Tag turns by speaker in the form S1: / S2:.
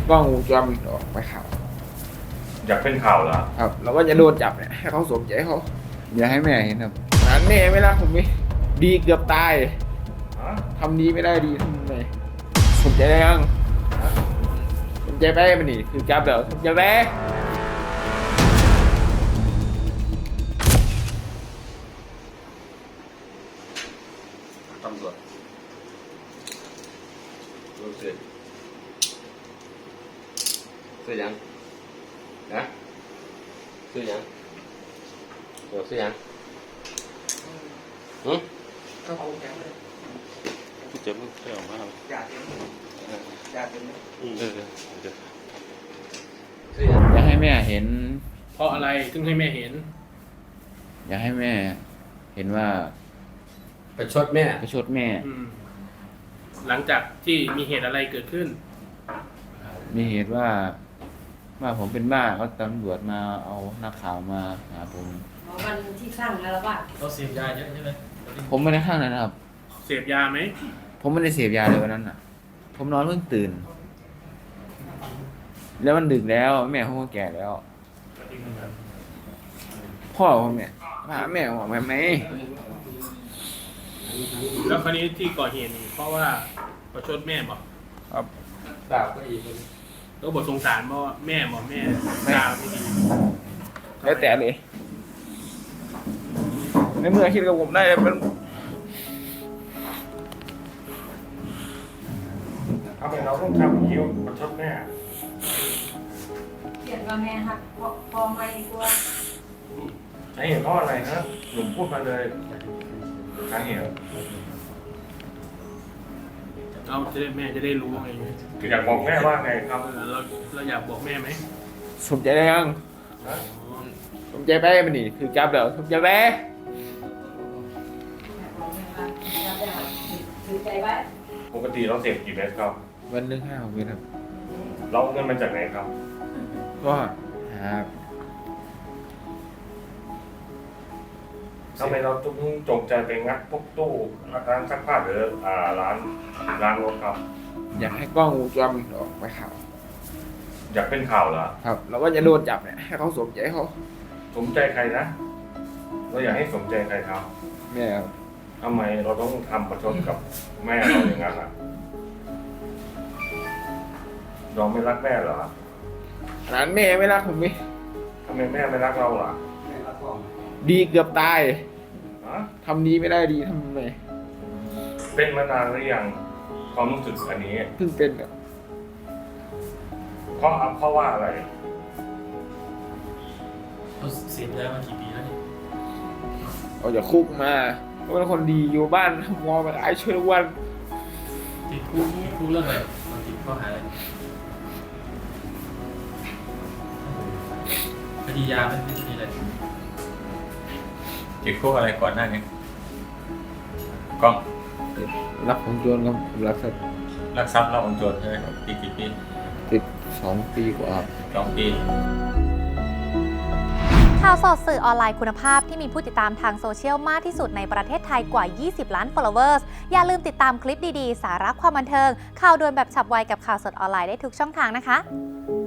S1: กล้องวงจรปิดออกไปข่าว
S2: อยากเป็นข่าวเหรอ
S1: ครับเราก็จะโดนจับเนี่ยให้เขาสมใจเขาอย่าให้แม่เห็นครับงานแม่ไม่รักผมไหมดีเกือบตาย
S2: ฮะ
S1: ทำดีไม่ได้ดีทำไงสมใจได้ยังสมใจไปมันนี่คือจับแล้วสมใจไป
S3: ตำรวจรู้สึกซื้อยังนะซื้อยังเดี๋ยวซื้อยัง
S1: ก็คงจะเลย
S4: ผู้เจ็บมันออกมาครับ
S1: อยากเป็นอยากเป็น
S4: เดี๋ยว
S3: ซื้อยัง
S1: อยากให้แม่เห็น
S5: เพราะอะไรถึงให้แม่เห็น
S1: อยากให้แม่เห็นว่า
S3: ประชดแม่
S1: ประชดแม่
S5: หลังจากที่มีเหตุอะไรเกิดขึ้น
S1: มีเหตุว่าผมเป็นบ้าเขาตำรวจมาเอานักข่าวมาหาผม
S6: วันที่สร้างแล้วว่า
S4: เราเสพยาเยอะใช่ไหม
S1: ผมไม่ได้ข้างนั้นนะครับ
S5: เสพยาไหม
S1: ผมไม่ได้เสพยาเลยวันนั้นน่ะ ผมนอนเพิ่งตื่น แล้วมันดึกแล้วแม่ผมก็แก่แล้ว พ่อผมเนี่ยพาแม่ผมออกมาไหม
S5: แล้วคราวนี้ที่ก่อเหตุนี่เพราะว่าประชดแม่บอก
S1: ครับ
S3: ดาบก็อีก
S5: แล้วบทสงสารบอกแม่บอกแม่ด่าไม่ดี
S1: แล้วแต่เลย ในเมื่อคิดกับผมได้มัน
S2: ทำไมเราต้องทำอย่างนี้ประชดแม่
S6: เขียนว่าแม่หักพอไม่กลัว
S2: สาเหตุเพราะอะไรนะหนุ่มพูดมาเลยสาเหตุ
S5: เราจะได้แม่จะได้รู้ไง
S2: อยากบอกแม่ว่าไงครับ
S5: เราอยากบอกแม่ไหม
S1: สมใจได้ยัง
S2: นะ
S1: สมใจไปมันนี่คือจับแล้วสมใจไป
S6: ถือใจไว้
S2: ปกติเราเสพกี่เม็ดครับ
S1: วันหนึง5-6 เม็ดครับ
S2: เราเอาเงินมาจากไหนครับ
S1: ก็หา
S2: ทำไมเราต้องจงใจไปงัดพวกตู้ร้านซักผ้าหรือร้านรถครับ
S1: อยากให้กล้องวงจรปิดออกไปข่าว
S2: อยากเป็นข่าวเหรอ
S1: ครับเราก็จะโดนจับเนี่ยให้เขาสมใจเขา
S2: สมใจใครนะเราอยากให้สมใจใครครับ
S1: แม่ครับ
S2: ทำไมเราต้องทำประชดกับแม่เราอย่างนั้นอ่ะเราไม่รักแม่เหรอ
S1: ขนาดแม่ไม่รักผมไหม
S2: ทำไมแม่ไม่รักเราล่ะ
S1: ดีเกือบตาย
S2: ฮะ
S1: ทำดีไม่ได้ดีทำไง
S2: เป็นมานานหรือยังความรู้สึกอันนี้
S1: เพิ่งเป็นครับ
S2: เพราะว่าอะไร
S4: เราเสพยามากี่ปีแล้วเนี่ย
S1: ออกจากคุกมาก็เป็นคนดีอยู่บ้านทำงอไปขายช่วยทุกวัน
S4: ติดคุกเรื่องอะไรเราติดข้อหาอะไรคดียาไม่ใช่อะไร
S7: ติดคุกอะไรก่อนหน้านี้กล้อง
S1: รับของโจรครับผมรับสัก
S7: ลักทรัพย์รับของโจรใช่ไหมติดกี่ปี
S1: ติด2 ปีกว่าครับ
S7: 2 ปี
S8: ข่าวสดสื่อออนไลน์คุณภาพที่มีผู้ติดตามทางโซเชียลมากที่สุดในประเทศไทยกว่า 20 ล้าน followers อย่าลืมติดตามคลิปดีๆ สาระความบันเทิง ข่าวด่วนแบบฉับไวกับข่าวสดออนไลน์ได้ทุกช่องทางนะคะ